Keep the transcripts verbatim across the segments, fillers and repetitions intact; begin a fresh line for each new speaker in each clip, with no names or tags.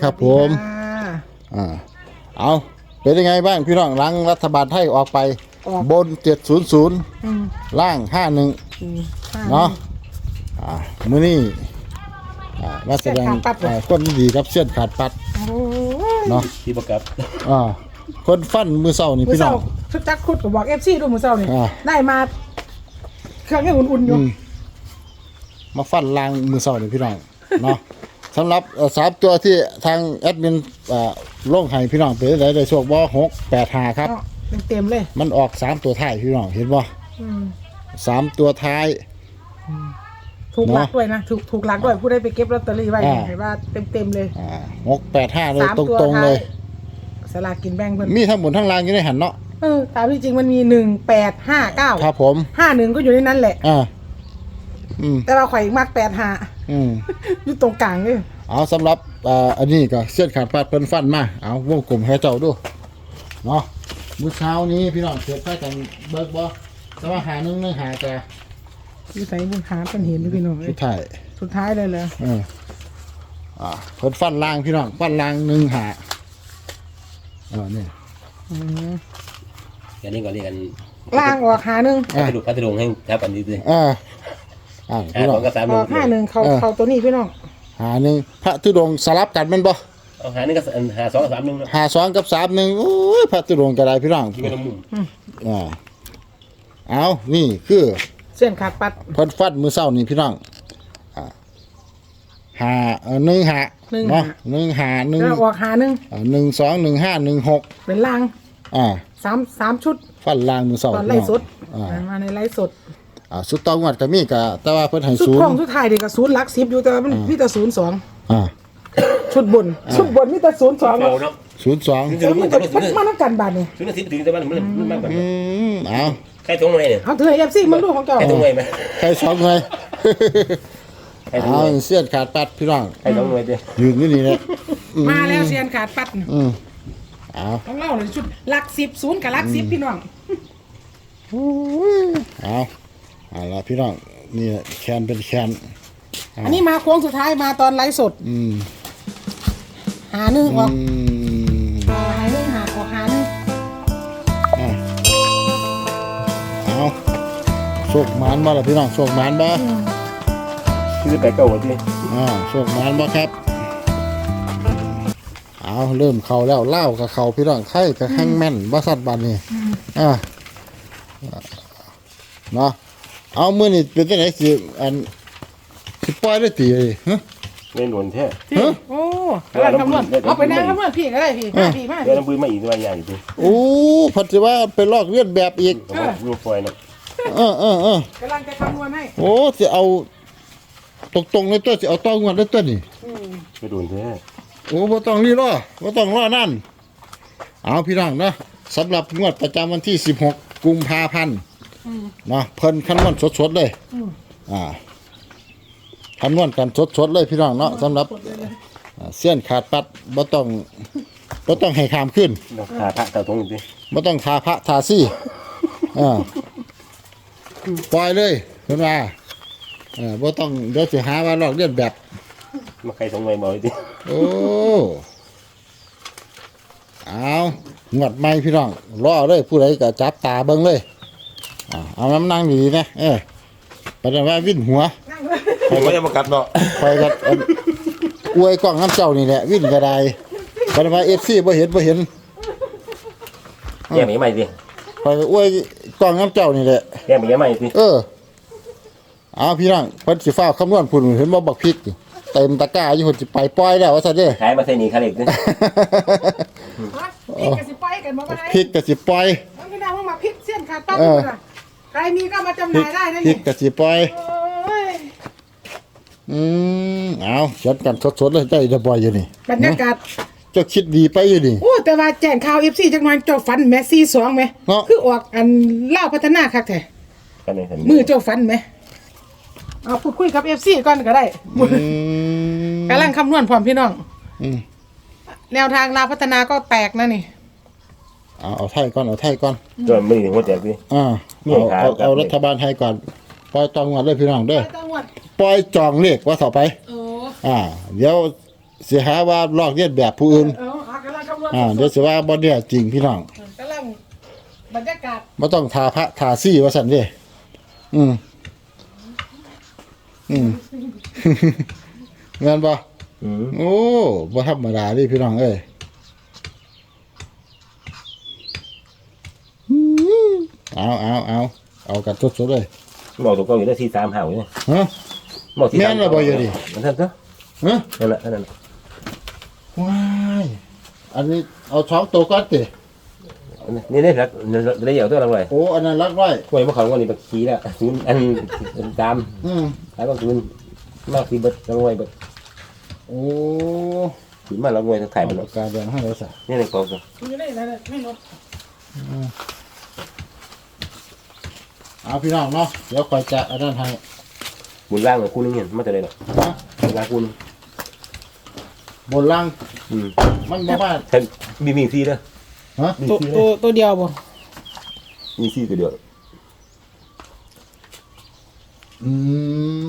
ครับผมอ่าเอาเป็นยังไงบ้างพี่น้องหลังรัฐบาลไทยออกไปบนเจ็ดศูนย์ศูนย์ล่างห้าหนึ่งเนาะอ่ามื้อนี้อ่ามาแสดงคนดีครับเส้นขาดปัดเนาะ
ที่ประกับ
อ่าคนฟันมือเศร้านี่พี่น้อง
ชุดจักคุดกับบอกเอฟซีดูมือเศร้านี่ได้มาเครื่องให้อุ่นๆอยู่
มาฟันลางมือเศร้านี่พี่น้องเนาะสำหรับสามตัวที่ทางแอดมินลงให้พี่น้องเป็นได้ได้โชคบ่หกแปดห้าครับ
เต็มเลย
มันออกสามตัวท้ายพี่น้องเห็นบ่สามตัวท้าย
ถูกหลักด้วยนะถูกถูกหลักด้วยผู้ได้ไปเก็บลอตเตอรี่ไว้เห็นว่าเต็มเต็มเลย
หกแปดห้าเลยตรงตรงเลย
สลากกินแบ่งเพิ่น
มีทั้งหมดทั้งรางอยู่ในหันเนาะ
เออตามที่จริงมันมีหนึ่งแปดห้าเก้า
ครับผม
ห้าหนึ่งก็อยู่ในนั้นแหละ
อ่าอืม
แต่เราข่อยมากแปดห้า
อืม
อยู่ตรงกลางเลย
เอาสำหรับอ่าอันนี้ก็เส้นขาดปาดเพิ่นฟันมาเอาวงกลมให้เจ้าดูเนาะมื้อเช้านี้พี่น้องเกิดไฟกันเบิกบ่แต่ว่าหาหนึ่งหนึ่งหาแต่
ที่ใส่บุญหาเป็นเห็นด้วยพี่น้อง
สุดท้าย
สุดท้ายเลยเลย
เอออ่าเพิ่นฟันล่างพี่น้องฟันล่างหนึ่งหาเออนี่
อืม
อย่างนี้ก็เรียกกัน
ล่างออกหาหนึ่ง
พัทลุพัทลุงให้ครับอันนี้เลย
อ่าอ่า
พี่น้อง
ออกห้าหนึ่งเขาเขาตัวนี้พี่น้อง
หาหนึ่งพระธุดงค์สลับกันแม่นบ่
เอาหาหนึ่งกับหาสองกับสามหนึ่ง
หาสองกับสามหนึ่งโอ้ยพระธุดงค์ก็ได้พี่น้องอ่าเอานี่คือ
เส้นขาดปัด
เพิ่นฟันมือเศร้านี่พี่น้องอ่าหาหนึ่งหาเนาะหนึ่งหาหนึ่ง
ออกหาหนึ่ง
หนึ่งสองหนึ่งห้าหนึ่งหก
เป็นล่าง
อ่า
สามสามชุด
ฟันล่างมือเศร้า
ตอนไล่สดมาในไล่สด
อ่าสุดตองวัดก็มีกะแต่ว่าเพิ่นให้
ศูนย์
ศูนย์
สุดท้ายเด็กกับศูนย์หลักสิบอยู่แต่มันมีแต่ศูนย์สอง
อ่า
ชุดบนชุดบนมีแต่ศูนย์สอง
เนาะ
ศูนย์สอง
มันจะมันมานักกันบาทนี่
ศูนย์สิบถึงแต่มันมันมันมากแบบ
อืมเอา
ใครตรงไหนเนี่ย
เอาเธอเอฟซีมันดูของเจ้า
ใครตรงไหนไหม
ใครสองเลยเอาเสี้ยนขาดปัดพี่น้อง
ใครตรงไหนเด้
ยืนอยู่นี่แหละ
มาแล้วเสี้ยนขาดปัด
อืมเอา
ต้องเล่าเลยชุดหลักสิบศูนย์กับหลักสิบพี่น้อง
เอาเอาละพี่น้องนี่แคนเป็นแคน
อันนี้มาโค้งสุดท้ายมาตอนไลฟ์สด
อืม
หาหนึ่งออกหาหนึ่งหาออกหาหนึ่ง
เอาโชคมานบ่ล่ะพี่น้องโชคมานบ่
ชื่อแต่เก่าที่
อ่าโชคมานบ่ครับเอาเริ่มเข้าแล้วเล่ากับเขาพี่น้องไข่กับแห้งแม่นบ่สัตว์บันนี่อ่าเนาะเอามือนี่เป็นจังได๋สิอันสิปล่อยได้ตีเลยฮะ
เล่นหนวนแท้
ฮะโอ้กำลังคำนวณเอาไปนั่งคำนวณพี่ก็ได้พี่มาพี่มา
เดี๋ยวน้ำปืนมาอีกตัวใหญ่อยู่
โอ้พัดสิว่าไปลอกเลียนแบบอีก
ลูกฟอยนะ
เออเออเอ
อกำลังจะคำนวณให้
โอ้สิเอาตรงตรงในตัวสิเอาต้องงวดในตัวนี่
ไปโดนแท้
โอ้บ่ต้องรีรอบ่ต้องรอนั่นเอาพี่น้องเนาะสำหรับงวดประจำวันที่สิบหกกุมภาพันธ์เนาะเพิ่นคำนวณสดๆเลยอ่าคำนวณกันสดๆเลยพี่น้องเนาะสำหรับเสี้ยนขาดปัดบ่ต้องบ่ต้องให้ขามขึ้น
ทาพระเต่าตรงนี้
บ่ต้องทาพระทาซี่อ่าปล่อยเลยเพิ่นว่าเออบ่ต้องเดี๋ยวสิหาว่าลอกเลียนแบบ
มาใครตรงไหนบ่ดิ
โอ้เอางวดใหม่พี่น้องรอเลยผู้ใดก็จับตาเบิ่งเลยอ่าเอาน้ำนั่งดีๆนะเออปานว่าวิ่นหัว
ผมไม่ได้มากัดเนาะ
คอยกับอวยกล้องน้ำเจ้านี่แหละวิ่นกระไดปานว่าเอฟซีบ่เห็นบ่เห็น
แย่มีใหม่ดิ
คอยอวยกล้องน้ำเจ้านี่แหละ
แย่มีใหม่ดิ
เออเอาพี่น้องเพิ่นสิฟ้าคำนวณพุ่นเห็นบ่บักพริกเต็มตะกร้าอยู่เพิ่นสิไปปล่อยแล้วว่าซั่นเด้
ขายมาใส่นี่คาเล็กดิ
พริกก็สิปล่อยกันบ่ได้
พริกก็สิปล่อย
เอาพี่น้องมาพริกเสี้ยนขาดปั๊บพุ่นน่ะใครมีก็มาจำหน่ายได้นะนี่
พริกก็สิปล่อยอืมเอาเขียนกันสดๆเลยได้จะบ่อยอยู่นี่
บรรยากาศ
เจ้าคิดดีไปอยู่นี่
โอ้แต่ว่าแจ้งข่าว เอฟ ซี จักหน่อยเจ้าฝันแมสซี่สองมั้ยคือออกอันเล่าพัฒนาคักแท้มือเจ้าฝันมั้ยเอาพูดคุยกับ เอฟ ซี ก่อนก็ได้กำลังคำนวณพร้อมพี่น้องแนวทางลาวพัฒนาก็แตกนะนี่
เอาเอาไทยก่อนเอาไทยก่อน
จนไม่ถึงหัวแตกดิ
อ่าเอาเอารัฐบาลไทยก่อนปล่อยจองงวดเลยพี่น้องเด้อปล่อยจองเลขว่าต่อไปอ่าเดี๋ยวสิหาว่าลอกเลียนแบบผู้อื่น
เออหากำลังคำนวณ
อ่าเดี๋ยวสิว่าบ่เนี่ยจริงพี่น้อง
กำลังบรรยากาศ
บ่ต้องทาพระทาซี่ว่าซั่นเด้อืมอืม แม่นบ่
อืม
โอ้บ่ธรรมดาเดิพี่น้องเอ้ยอืมเอาเอาเอาเอากันสดๆเลย
บอกตัวเก่าอยู่ได้สี่สามห้าอยู่เนี่ย
ฮะ
บอกที่
แม่นแล้วบ่อยู่ดิ
มันท่านก็
ฮะ
นั่นแหละนั่นแหละ
ว้ายอันนี้เอาช้องตัวก่อนติ
นี่ได้ครับได้เหี่ยวตัวละไร
โอ้อันนั้นรักไว้
กล้วยมะขามวันนี้บักขี้แล้วศูนย์อันตาม
อืม
ขายบักศูนย์มากที่เบิดละไรเบิด
โอ้
ศูนย์มาละไรถ่ายมัน
ปากกาแดงให้แล้วซะ
นี่ในกล่อง
อยู่ในนั้นไม่ลด
เอาพี่น้องเนาะเดี๋ยวคอยจะอันนั้นให้
บุญล่างของคู่นึงเนี่ยมาจะได้หรอ
ฮะ
บุญล่างคู่นึง
บนล่าง
อืม
มันบ่มา
ท่านมีมีซีเด้อ
ฮะ
มี
ตัว
ซี
ตัวตัวเดียวบ่
มีซีตัวเดียว
อืม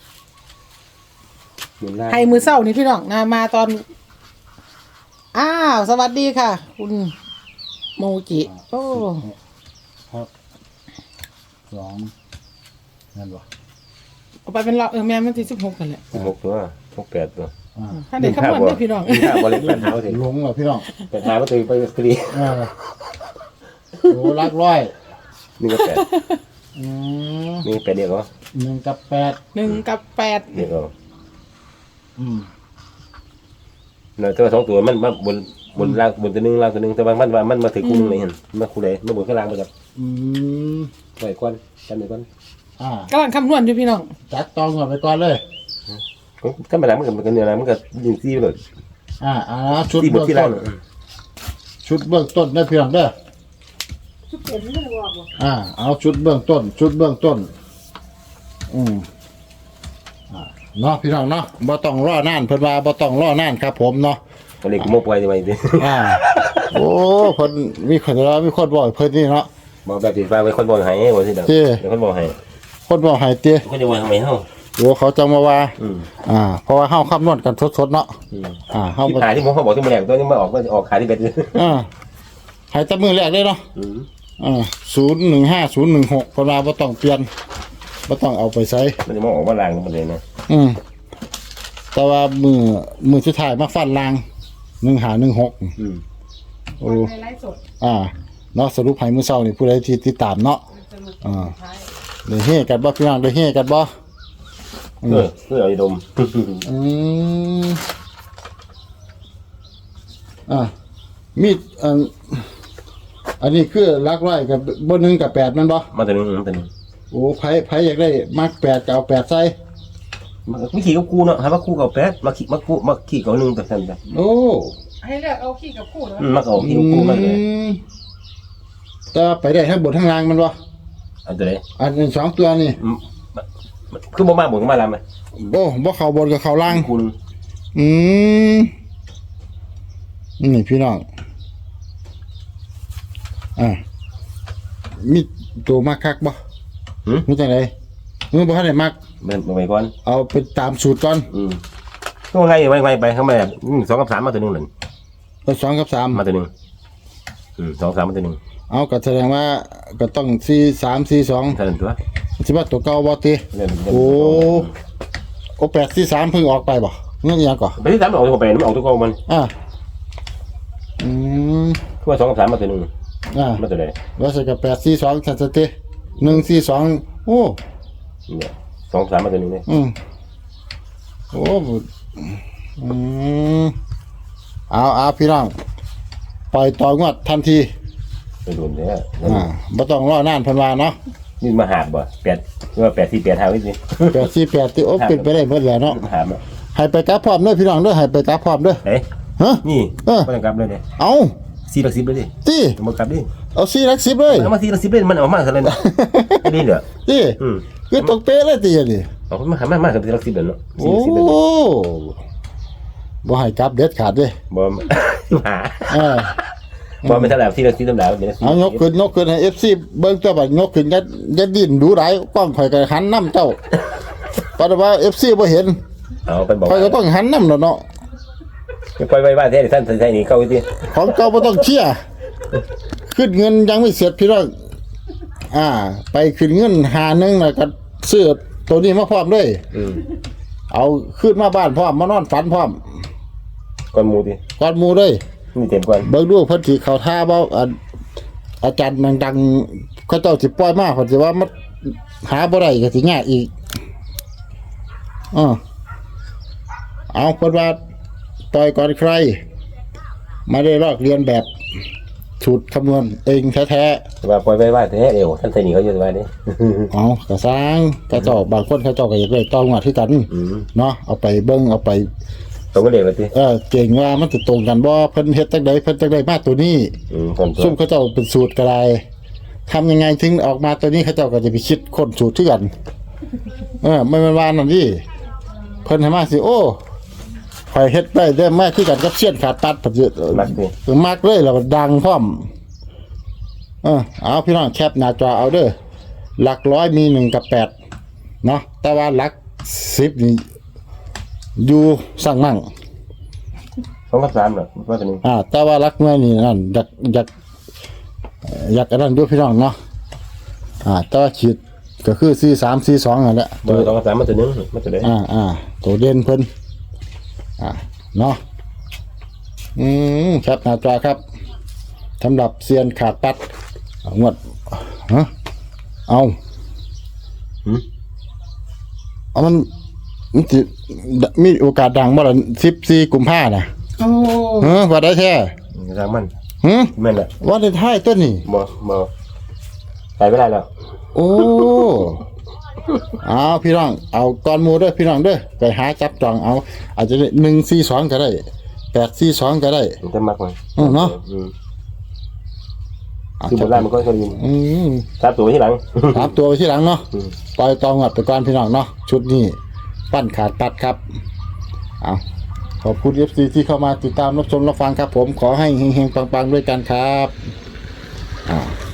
บุญล่าง
ให้มือเศร้านี่พี่น้องนะมาตอนอ้าวสวัสดีค่ะ คุณโมจิโอ้
ครับสองนั่นบ่
เอาไปเป็นเราเออแม่มันที่สิบหกกันแหละ
หกตัวหกแปดตัว
อ่า
ถ้าเด็กขมวดได้พี่น้อง
มีข้าวบอลเล็กแปดหาถึง
ลงแล้วพี่น้อง
แปดหาก็ตีไปสตรี
อ่าโอ้รักร้อย
นี่ก็แปด
อืม
นี่แปดเดียวก็
หนึ่งกับแปด
หนึ่งกับแปด
เดียวก็
อืม
เนาะตัวสองตัวมันมาบนบนล่างบนตัวนึงล่างตัวนึงแต่บางมันว่ามันมาถึงคู่นึงเลยเห็นมาคู่ใดมาบนข้างล่างมาจาก
อืม
ไหวก้อนกันไหวก้อน
อ่าก
ำลังคำนวณอยู่พี่น้อง
จัดตองก่อนไปก่อนเลย
ถ้ามาหลังมันก็มันก็เนี่ยอะไรมันก็ยิงซีไปเลย
อ่าอ่าชุด
ซีบ
เบื้
น
อง
ที่ล่า
ต้
ง
นชุดเบื้องต้นได้พี่น้องเด้อ
ชุดเปลี่ยนไม่ได้บอกบ่
อ่าเอาชุดเบื้องต้น ชุดเบื้องต้น อืมอ่าเนาะพี่น้องเนาะบ่ต้องรอนานเพิ่นว่าบ่ต้องรอนานครับผมเนาะ
ก็เลยโมปล่อยไปดิ
อ่า โอ้เพิ่นมีคนว่ามีคนบอกให้เพิ่นนี่เนาะ
บอกแบบติดฟ้าไว้คนบอกให้บอกสิเด้อ
เจ้
เดี๋ยวคนบอกให้
คนบอกให้เตี้ย
คนจะบอกทำไมเฮา
โอ้เขาจังมาว่า
อืม
อ่า เพราะว่าเฮาคำนวณกันสดๆเนาะ
อืม
อ่าเฮา
ที่
บ่
ขายที่ผมเขาบอกที่มันแหลกตัวนี้มาออกก็ออกขายที่เบ็ด
อ่าให้แต่มือแรกเลยเนาะ
อืม
อ่าศูนย์หนึ่งห้าศูนย์หนึ่งหกเพิ่นว่าบ่ต้องเปลี่ยนบ่ต้องเอาไปใส่
มันจะมาออกมาล่างมันเลยนะ
อืมแต่ว่ามือมือสุดท้ายมาฟันลางหนึ่งหาหนึ่งหก
อืม
โอ้
ในไลฟ์สด
อ่าเนาะสรุปให้มื้อเช้านี่ผู้ใดที่ติดตามเนาะ
สรุป
อ่า
ท้าย
ได้เฮกันบ่พี่น้องได้เฮกันบ่
เออเพื่อเอาไปดม
อืมอ่ามีดอันอันนี้คือหลักร้อยกับบ่หนึ่งกับแปดแมันบ่
มาตัวนึงมาตัวนึง
โอ้ไผไผอยากได้มักแปดก็เอาแปดใส่
มาขี่กับกูเนาะหาว่าคู่กับแปดมาขี่มากูมาขี่กับหนึ่งแต่สั่นแต่
โอ้
ให้เลือกเอาขี้กับคู่เหรอ
อืมมาเอาขี่กับกูมาเลย
อืมแต่ว่าไปได้ทั้งบนทั้งล่างแมันบ่
อันตัวไหน
อันนี้สองตัวนี่
อืมคือบ่มาบ่มาลำไหม
โอ้บ่เข้าบนกับเข้าล่าง
คุณ
อืมนี่พี่น้อง อ่า มีตัวมักคักบ่
หืม
มีจังไดมึงบ่ทันได้มัก
เป็นไปก่อน
เอาเป็นตามสูตรก่อน
อืมก็ไงไวไวไปเข้ามาอืมสองกับสามมาตัวหนึ่งหนึ่ง
เอาสองกับสาม
มาตัวหนึ่งอืมสองสามมาตัวหนึ่ง
เอาก็แสดงว่าก็ต้องสี่สามสี่สอง
เท่านั้นตัว
สิว่าตัวเก่าบ่ติ
เล่นเล่น
โอ้ โอ้แปดสี่สามเพิ่งออกไปบ่เงี้ยยังก่อ
ไปที่สามมันออกตัวแปดมันออกตัวเก่ามัน
อ่าอืม
คือว่าสองกับสามมาตัวหนึ่ง
อ่า
มาตัวไหน
ว่าสิกับแปดสี่สองสันสติหนึ่งสี่สองโอ้
เนี่ยสองสามมาตัวหนึ่งเลย
อืมโอ้บุอืมเอาเอาพี่น้องปล่อยต่องวดทันที
ไปโดนเนี่ย
อ่าบ่ต้องรอนานเพิ่นว่าเนาะ
นี่มาหาบบ่แปดคือว่าแปดสี่แปดห้าไว้สิ
แปดสี่แปดที่โอ้เป็นไปได้หมดแล้วเนาะ
หาบอ่ะ
ให้ไปกลับพร้อมเด้อพี่น้องเด้อให้ไปกลับพร้อมเด้อ
เฮ้ย
ฮะ
นี่
เออ
ไม่ต้องกลับเลยเนี่ย
เอา
สี่หลักสิบเลยดิ
ติ
ต้องมากลับดิ
เอาสี่หลักสิบเลย
เอามาสี่หลักสิบเลยมันออกมาเท่าไหร่เนี่ยไม่ดีเหรอ
ติ
อืม
คือตกเป๊ะเลยติอันนี้
เอามาหามามากับสี่หลักสิบเลยเนาะ
โอ้
สี่หลักสิบเลย
บ่ให้กลับเด็ดขาดเด้
บ่ หา
เออ
บ่เป็นเท่าไหร่สี่หลักสิบเท่าไหร่เป็นสี่
เอายกขึ้นยกขึ้นให้ เอฟ ซี เบิ่งตัวบัดยกขึ้นอย่าอย่าดิ้นดูหลายกล้องข่อยก็หันนำเจ้าปานว่า เอฟ ซี บ่เห็น
เอาเป็นบอก
ข่อยก็ต้องหันนำแล้วเนาะ
ปล่อยไว้บ้านแท้ท่านใส่นี่เข้าไปดิ
ของเก่าบ่ต้องเชี่ยขึ้นเงินยังไม่เสร็จพี่น้องอ่า ไปขึ้นเงินหาหนึงแล้วก็ซื้อตัวนี้มาพร้อมด้วย
อืม
เอาขึ้นมาบ้านพร้อมมานอนฝันพร้อม
ก่อนหมูดิ
ก่อนหมู่เลย
นี่เต็มก่อน
เบิ่งดูเพิ่นสิเข้าท่าบ่อ่าอาจารย์ดังๆเขาเจ้าสิปล่อยมาเพิ่นสิว่ามันหาบ่ได้ก็สิยากอีกอ้อเอาเพิ่นว่าต่อยก่อนใครไม่ได้ลอกเรียนแบบสูตรคำนวณเองแท้
ว่าปล่อยไว้บ้านแท้เดี๋ยวท่านใส่นี่เขาอยู่บ้านนี่
ๆเอากระสร้างกระเจ้าบางคนเขาเจ้าก็อยากได้ต้องว่าที่กัน
อืม
เนาะเอาไปเบิ่งเอาไป
ตรงก็เด็กเลยดิ
เออเก่งว่ามันสิตรงกันบ่เพิ่นเฮ็ดจังไดเพิ่นจังไดมาตัวนี้
อืมก่อนตัว
ซุ่มเขาเจ้าเป็นสูตรก็ได้ทำยังไงถึงออกมาตัวนี้เขาเจ้าก็จะไปคิดค้นสูตรที่กัน เออไม่แม่นว่านั่นดิเพิ่นให้มาสิโอ้ข่อยเฮ็ดได้ได้มาคือกันกับเสี้ยนขาดตัดปัจจุ
มักดิ
เออมักเลยแล้วก็ดังพร้อมเออเอาพี่น้องแคปหน้าจอเอาเด้อหลักร้อยมีหนึ่งกับแปดเนาะแต่ว่าหลักสิบนี่อยู่สั่งมั่ง
สองกับสามเหรอว่าตัวนี้
อ่าแต่ว่ารักเมื่อนี่นั่นอยากอยากเอ่ออยากอันนั้นด้วยพี่น้องเนาะอ่าแต่ว่าขีดก็คือสี่สามสี่สองนั่นแหละ
ตัวสองกับสามมาตัวนึงมาตัวไหน
อ่าอ่าตัวเด่นเพิ่นอ่าเนาะอืมครับหน้าจอครับสำหรับเซียนขาดปัดเอางวดฮะเอา
หืม
เอามันมันสิมีโอกาสดังบ่ล่ะสิบสี่กุมภาน่ะ
โอ้
เฮ้อว่าได้แท้
สามมัน
หึ
แม่นแหละ
ว่าได้ท้ายต้นนี่
บ่บ่ใส่ไม่ได้แล้ว
โอ้ เอาพี่น้อง เอาก้อนหมูเด้อพี่น้องเด้อไปหาจับจองเอา อาจจะหนึ่งสี่สองก็ได้แปดสี่สองก็ได้
มันจะมักมัน
อืมเนาะ
อืม
เอา
คือโบราณมันก็เคยยิน
อืม
สามตัวไว้ที่หลัง
สามตัวไปที่หลังเนาะ
อืม
ปล่อยตองหัดไปก่อนพี่น้องเนาะชุดนี้ปั้นขาดปัดครับ เอาขอบคุณเอฟซีที่เข้ามาติดตามรับชมรับฟังครับผมขอให้เฮงๆปังๆด้วยกันครับอ่า